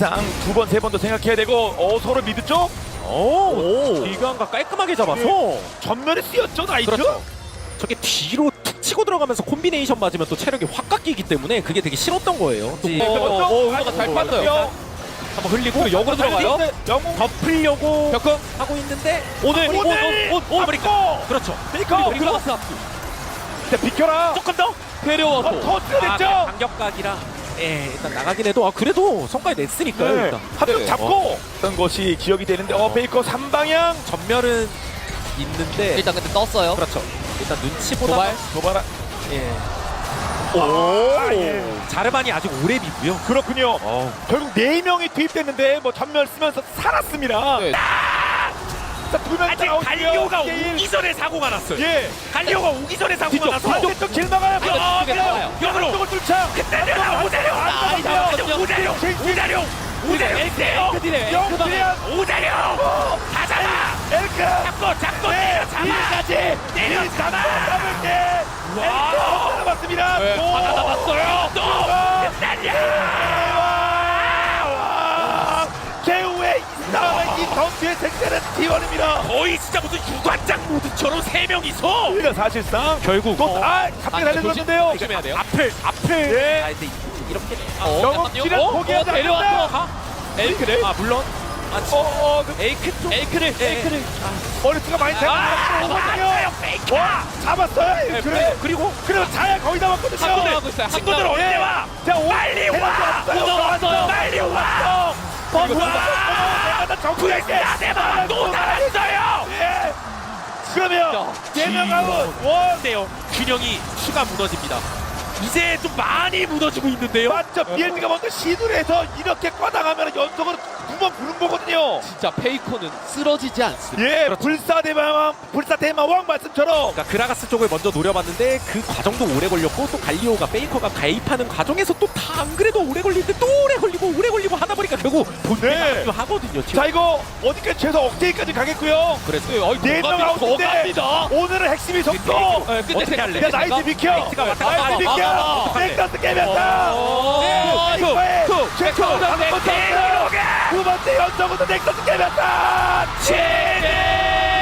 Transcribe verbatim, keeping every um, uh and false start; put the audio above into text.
사실상 두 번, 세 번도 생각해야 되고 어 서로 미드 쪽 오, 기관과 깔끔하게 잡아서 전면에 쓰였죠 나이트. 그렇죠. 저게 뒤로 툭 치고 들어가면서 콤비네이션 맞으면 또 체력이 확 깎이기 때문에 그게 되게 싫었던 거예요. 또 네, 어, 먼저 어, 어, 아이고, 잘 팠어요. 한번 흘리고 역으로 들어가요. 영웅 덮으려고 벽공 하고 있는데 오늘 오, 오, 오, 오, 오, 아메리카. 그렇죠. 페이커 그리고 그리고 앞 비켜라. 조금 더 데려와서 어, 터트려 됐죠. 아, 간격각이라 예, 일단 나가긴 해도 아, 그래도 성과에 냈으니까요. 네. 일단 한명 네. 잡고 어떤 것이 기억이 되는데 어 페이커 삼 방향 전멸은 있는데 일단 근데 떴어요. 그렇죠. 일단 눈치보다 도발. 도발아. 예. 오, 오, 예. 자르반이 아직 오래 비고요. 그렇군요. 어. 결국 네 명이 투입됐는데 뭐 전멸 쓰면서 살았습니다. 네. 자두명 아직 갈리오가 오기 전에 사고가 났어요. 예. 갈리오가 오기 전에 사고가 뒤쪽 나서 뒤쪽 길 막아요. 아, 뒤쪽에 나와요. 역으로 쪽을 뚫자. 때려라 오자룡 아, 오자룡 오자룡 오자룡 오자룡 엘크예요 영크리안 오자룡 다 잡아 엘크 잡고 잡고 때려 잡아 일까지 때려 잡아 잡을 때 엘크 잡았습니다. 네, 또 하나 남았어요. 또 끝났냐 와 개우의 이 싸움의 이 전투의 색깔은 티원입니다. 거의 진짜 무슨 유관장 모드처럼 세 명이서 우리가 사실상 결국 또아 갑자기 달려들었는데요. 조심해야 돼요. 앞을 앞을 네. 아 근데 이렇게 어, 영웅 잠깐만요. 길은 어, 포기하지 어, 데려왔어. 않는다. 에이크를 아 물론 아 어, 어, 그 에이크 쪽 에이크를 네. 에이크를 머리수가 많이 아, 생겼거든요. 잡았어요 페이크 와, 잡았어요. 네, 그래. 그리고 그리고 자야 거의 다 왔거든요. 한번 하고 있어요. 친구들 한번. 언제 와 자, 오, 빨리 와! 왔어요. 왔어요. 빨리 와 버스 와! 내가 다 정리할게. 야대만 또 달았어요 예. 그러면 대명 아웃. 원. 근데요 균형이 추가 무너집니다. 이제 좀 많이 무너지고 있는데요. 맞죠. 비엘비가 먼저 시도를 해서 이렇게 꽈당하면 연속으로 두 번 부른 거거든요. 진짜 페이커는 쓰러지지 않습니다. 예, 그렇죠. 불사대마왕, 불사대마왕 말씀처럼. 그러니까 그라가스 쪽을 먼저 노려봤는데 그 과정도 오래 걸렸고 또 갈리오가 페이커가 가입하는 과정에서 또 다 안 그래도 오래 걸리는데 또 오래 걸리고 오래 걸리고 하다 보니까 결국 본대가 네. 좀 하거든요. 지금. 자, 이거 어디까지 최소 억제기까지 가겠고요. 그랬어요. 어이, 네 명 더 아웃인데 갑니다. 오늘은 핵심이 속도. 네, 끝내 어떻게 할래? 야, 나이트 비켜. 나이트가 왔다 갔다 나이트 하고. 비켜. 아, 아, 아. 백더스 깨면서. 오, 네, 쿡, 이거에 쿡, 최초 쿡, 다섯 번째 쿡. 두 번째 연속으로 넥서스 깨면서. 제네